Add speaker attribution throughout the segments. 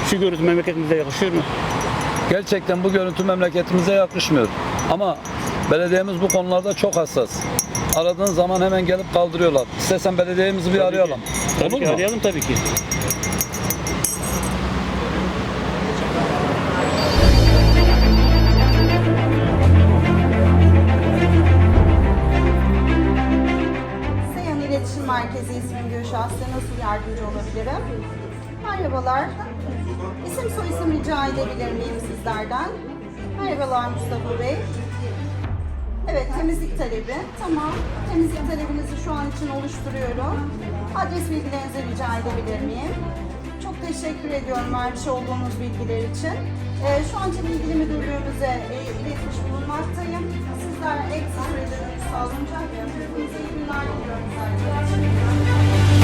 Speaker 1: Şu görüntü memleketimize yakışıyor mu?
Speaker 2: Gerçekten bu görüntü memleketimize yakışmıyor. Ama belediyemiz bu konularda çok hassas. Aradığın zaman hemen gelip kaldırıyorlar. İstersen belediyemizi bir arayalım.
Speaker 1: Tabii
Speaker 2: Olur
Speaker 1: ki
Speaker 2: mu?
Speaker 1: arayalım tabii ki.
Speaker 3: Seyhan İletişim Merkezi ismim Gülşah. Size nasıl yardımcı olabilirim? Merhabalar. İsim soyisim rica edebilir miyim sizlerden? Merhabalar Mustafa Bey. Evet, temizlik talebi. Tamam. Temizlik talebinizi şu an için oluşturuyorum. Adres bilgilerinizi rica edebilir miyim? Çok teşekkür ediyorum vermiş olduğunuz bilgiler için. Şu an için ilgili müdürlüğümüze iletmiş bulunmaktayım. Sizler en kısa sürede dönüş sağlanacak. Hepinize iyi günler diliyorum zaten.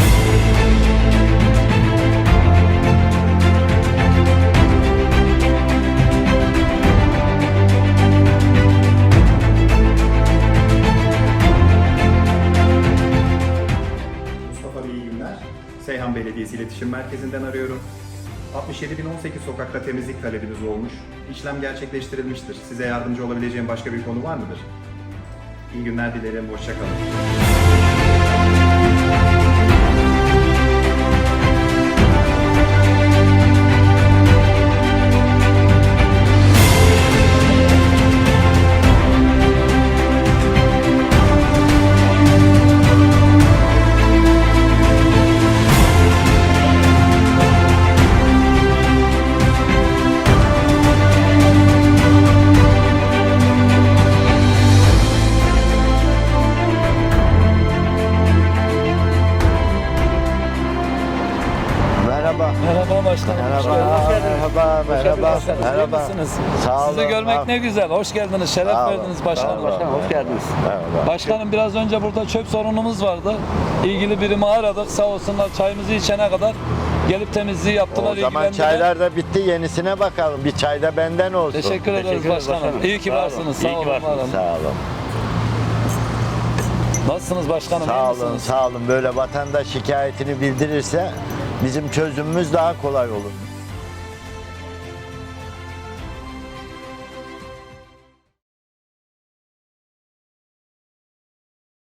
Speaker 4: Mustafa Bey iyi günler. Seyhan Belediyesi İletişim Merkezi'nden arıyorum. 67.018 sokakta temizlik talebiniz olmuş. İşlem gerçekleştirilmiştir. Size yardımcı olabileceğim başka bir konu var mıdır? İyi günler dilerim. Hoşça kalın.
Speaker 5: Merhaba.
Speaker 2: Merhaba başkanım. Hoş
Speaker 5: Merhaba.
Speaker 2: geldiniz.
Speaker 5: Merhaba. Merhaba.
Speaker 2: İyi
Speaker 5: Merhaba.
Speaker 2: misiniz?
Speaker 5: Sağ
Speaker 2: Sizi
Speaker 5: olun.
Speaker 2: görmek ne güzel. Hoş geldiniz. Şeref
Speaker 5: Sağ olun.
Speaker 2: verdiniz başkanım.
Speaker 5: Sağ olun.
Speaker 2: Hoş geldiniz.
Speaker 5: Merhaba.
Speaker 2: Başkanım biraz önce burada çöp sorunumuz vardı. İlgili birimi aradık. Sağ olsunlar çayımızı içene kadar gelip temizliği yaptılar.
Speaker 5: O zaman
Speaker 2: ilgilendiler.
Speaker 5: çaylar da bitti. Yenisine bakalım. Bir çay da benden olsun.
Speaker 2: Teşekkür ederiz başkanım. İyi ki varsınız. Sağ olun. var olun.
Speaker 5: Sağ olun.
Speaker 2: Nasılsınız başkanım?
Speaker 5: Sağ
Speaker 2: İyi
Speaker 5: olun.
Speaker 2: misiniz?
Speaker 5: Sağ olun. Böyle vatandaş şikayetini bildirirse bizim çözümümüz daha kolay olur.